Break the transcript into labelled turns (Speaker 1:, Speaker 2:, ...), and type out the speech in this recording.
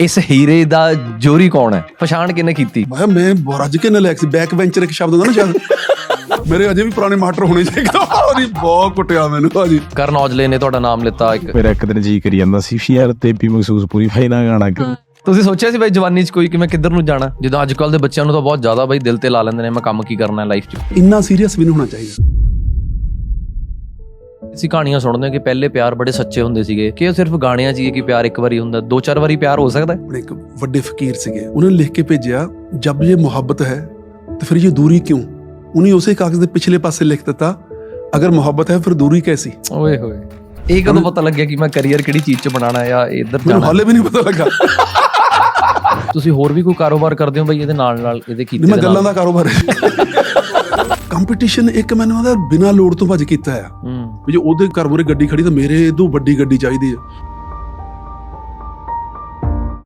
Speaker 1: ਇਸ ਹੀਰੇ ਦਾ ਜੋਰੀ ਕੌਣ ਹੈ? ਪਛਾਣ ਕਿਹਨੇ ਕੀਤੀ?
Speaker 2: ਮੈਂ ਰੱਜ ਕੇ ਨਲਾਇਕ ਸੀ। ਬੈਕ ਵੈਂਚਰ ਇੱਕ ਸ਼ਬਦ ਹੁੰਦਾ ਨਾ ਸ਼ਾਇਦ, ਮੇਰੇ ਅਜੇ ਵੀ ਪੁਰਾਣੇ ਮਾਸਟਰ ਹੋਣੇ ਚਾਹੀਦੇ। ਉਹਦੀ ਬਹੁਤ ਕੁੱਟਿਆ ਮੈਨੂੰ ਭਾਜੀ।
Speaker 1: ਕਰਨ ਔਜਲੇ ਨੇ ਤੁਹਾਡਾ ਨਾਮ ਲਿੱਤਾ ਇੱਕ।
Speaker 3: ਮੇਰਾ ਇੱਕ ਦਿਨ ਜੀ ਕਰੀ ਜਾਂਦਾ ਸੀ ਯਾਰ ਤੇ ਵੀ ਮਹਿਸੂਸ ਪੂਰੀ ਫਾਇਨਾ ਗਾਣਾ ਕਿ
Speaker 1: ਤੁਸੀਂ ਸੋਚਿਆ ਸੀ ਬਾਈ ਜਵਾਨੀ 'ਚ ਕੋਈ ਕਿ ਮੈਂ ਕਿੱਧਰ ਨੂੰ ਜਾਣਾ? ਜਦੋਂ ਅੱਜ ਕੱਲ੍ਹ ਦੇ ਬੱਚਿਆਂ ਨੂੰ ਤਾਂ ਬਹੁਤ ਜ਼ਿਆਦਾ ਬਾਈ ਦਿਲ ਤੇ ਲਾ ਲੈਂਦੇ ਨੇ, ਮੈਂ ਕੰਮ ਕੀ ਕਰਨਾ ਲਾਈਫ 'ਚ।
Speaker 2: ਇੰਨਾ ਸੀਰੀਅਸ ਵੀ ਨਹੀਂ ਹੋਣਾ ਚਾਹੀਦਾ।
Speaker 1: ਅਸੀਂ ਕਹਾਣੀਆਂ ਸੁਣਦੇ ਹਾਂ ਕਿ ਪਹਿਲੇ ਪਿਆਰ ਬੜੇ ਸੱਚੇ ਹੁੰਦੇ ਸੀਗੇ, ਕਿ ਉਹ ਸਿਰਫ ਗਾਣਿਆਂ 'ਚ ਹੀ ਹੈ ਕਿ ਪਿਆਰ ਇੱਕ ਵਾਰੀ ਹੁੰਦਾ, 2-4 ਵਾਰੀ ਪਿਆਰ ਹੋ ਸਕਦਾ ਹੈ।
Speaker 2: ਆਪਣੇ ਇੱਕ ਵੱਡੇ ਫਕੀਰ ਸੀਗੇ, ਉਹਨਾਂ ਨੇ ਲਿਖ ਕੇ ਭੇਜਿਆ, ਜਬ ਇਹ ਮੁਹੱਬਤ ਹੈ ਤਾਂ ਫਿਰ ਇਹ ਦੂਰੀ ਕਿਉਂ। ਉਹਨੇ ਉਸੇ ਕਾਗਜ਼ ਦੇ ਪਿਛਲੇ ਪਾਸੇ ਲਿਖ ਦਿੱਤਾ, ਅਗਰ ਮੁਹੱਬਤ ਹੈ ਫਿਰ ਦੂਰੀ ਕੈਸੀ।
Speaker 1: ਓਏ ਹੋਏ, ਇਹ ਕਦੋਂ ਪਤਾ ਲੱਗਿਆ ਕਿ ਮੈਂ ਕਰੀਅਰ ਕਿਹੜੀ ਚੀਜ਼ 'ਚ ਬਣਾਉਣਾ ਜਾਂ ਇੱਧਰ
Speaker 2: ਮੈਨੂੰ
Speaker 1: ਜਾਣਾ?
Speaker 2: ਹਾਲੇ ਵੀ ਨਹੀਂ ਪਤਾ ਲੱਗਾ।
Speaker 1: ਤੁਸੀਂ ਹੋਰ ਵੀ ਕੋਈ ਕਾਰੋਬਾਰ ਕਰਦੇ ਹੋ ਬਾਈ ਇਹਦੇ ਨਾਲ ਇਹਦੇ ਕੀਤੇ?
Speaker 2: ਮੈਂ ਗੱਲਾਂ ਦਾ ਕਾਰੋਬਾਰ ਕੰਪੀਟੀਸ਼ਨ ਇੱਕ ਮੈਨੂੰ ਉਹਦਾ ਬਿਨਾਂ ਲੋੜ ਤੋਂ ਭੱਜ ਕੀਤਾ ਆ। ਵੀ ਜੇ ਉਹਦੇ ਘਰ ਮੂਹਰੇ ਗੱਡੀ ਖੜੀ ਤਾਂ ਮੇਰੇ ਤੋਂ ਵੱਡੀ ਗੱਡੀ ਚਾਹੀਦੀ ਆ।